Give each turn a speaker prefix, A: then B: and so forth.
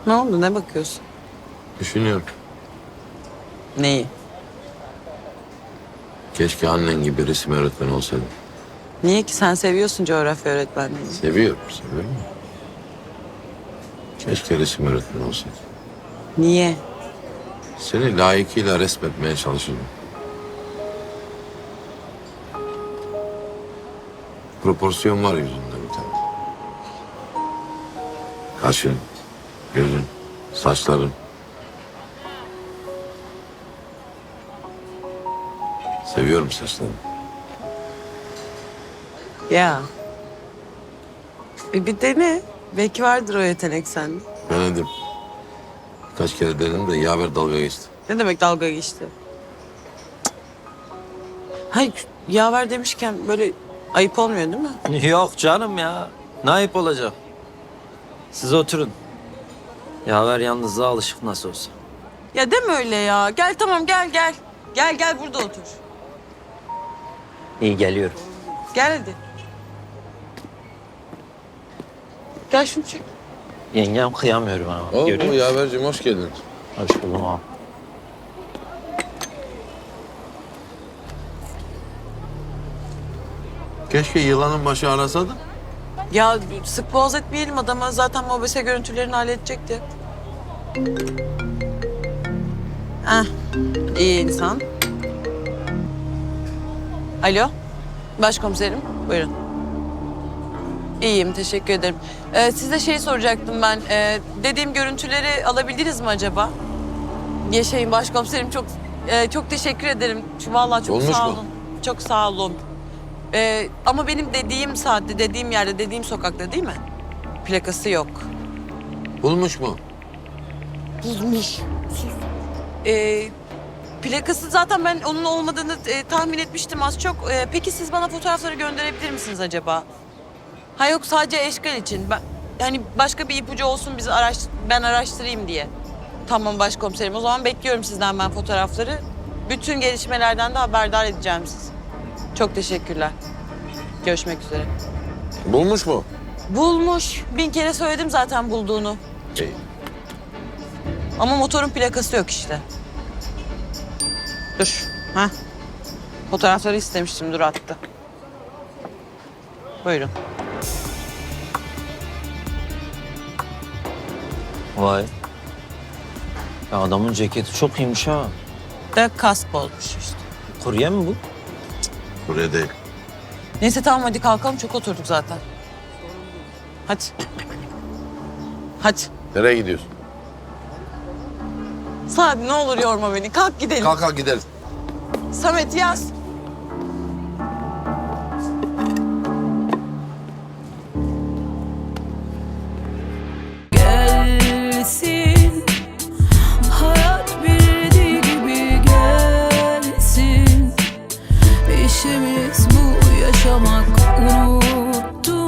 A: Ne oldu? Ne bakıyorsun?
B: Düşünüyorum.
A: Neyi?
B: Keşke annen gibi resim öğretmeni olsaydım.
A: Niye ki? Sen seviyorsun coğrafya öğretmenliğini.
B: Seviyorum. Keşke resim öğretmeni olsaydım.
A: Niye?
B: Seni layıkıyla resmetmeye çalışırdım. Proporsiyon var yüzünde bir tane. Kaşın, gözün, saçların. Seviyorum saçlarını.
A: Ya. Bir dene. Belki vardır o yetenek sende.
B: Denedim. Birkaç kere denedim de yaver dalga geçti.
A: Ne demek dalga geçti? Hayır, yaver demişken böyle ayıp olmuyor değil mi?
C: Yok canım ya. Ne ayıp olacak? Siz oturun. Yaver yalnızlığa alışık nasıl olsa.
A: Ya deme öyle ya. Gel tamam gel. Gel burada otur.
C: İyi geliyorum.
A: Gel hadi. Gel şunu çek.
C: Yengem kıyamıyorum ama. Görüyor musun?
B: yaverciğim hoş geldin.
C: Hoş buldum abi.
B: Keşke yılanın başı arasaydı.
A: Ya sık boğaz etmeyelim adama. Zaten mobese görüntülerini halledecekti. Ah, iyi insan. Alo, başkomiserim. Buyurun. İyiyim, teşekkür ederim. Size şey soracaktım ben. Dediğim görüntüleri alabildiniz mi acaba? Yaşayın başkomiserim. Çok teşekkür ederim. Vallahi çok
B: Olmuş
A: sağ
B: mu?
A: olun. Çok sağ olun. Ama benim dediğim saatte, dediğim yerde, dediğim sokakta değil mi? Plakası yok.
B: Bulmuş mu?
A: Bulmuş. Plakası zaten ben onun olmadığını tahmin etmiştim az çok. Peki siz bana fotoğrafları gönderebilir misiniz acaba? Ha yok sadece eşkal için. Yani başka bir ipucu olsun ben araştırayım diye. Tamam başkomiserim. O zaman bekliyorum sizden ben fotoğrafları. Bütün gelişmelerden de haberdar edeceğim sizi. Çok teşekkürler. Görüşmek üzere.
B: Bulmuş mu?
A: Bulmuş. 1000 kere söyledim zaten bulduğunu.
B: İyi.
A: Ama motorun plakası yok işte. Dur. Ha. Fotoğrafları istemiştim. Dur attı. Buyurun.
C: Vay. Ya adamın ceketi çok iyiymiş ha.
A: Da kask olmuş işte.
C: Kurye mi bu?
B: Buraya değil.
A: Neyse tamam hadi kalkalım. Çok oturduk zaten. Hadi. Hadi.
B: Nereye gidiyorsun?
A: Sadi ne olur yorma beni. Kalk gidelim.
B: Kalk gideriz.
A: Samet yaz.
D: Gelsin hayat bildiği gibi gelsin. İşimiz bu yaşamak unuttum.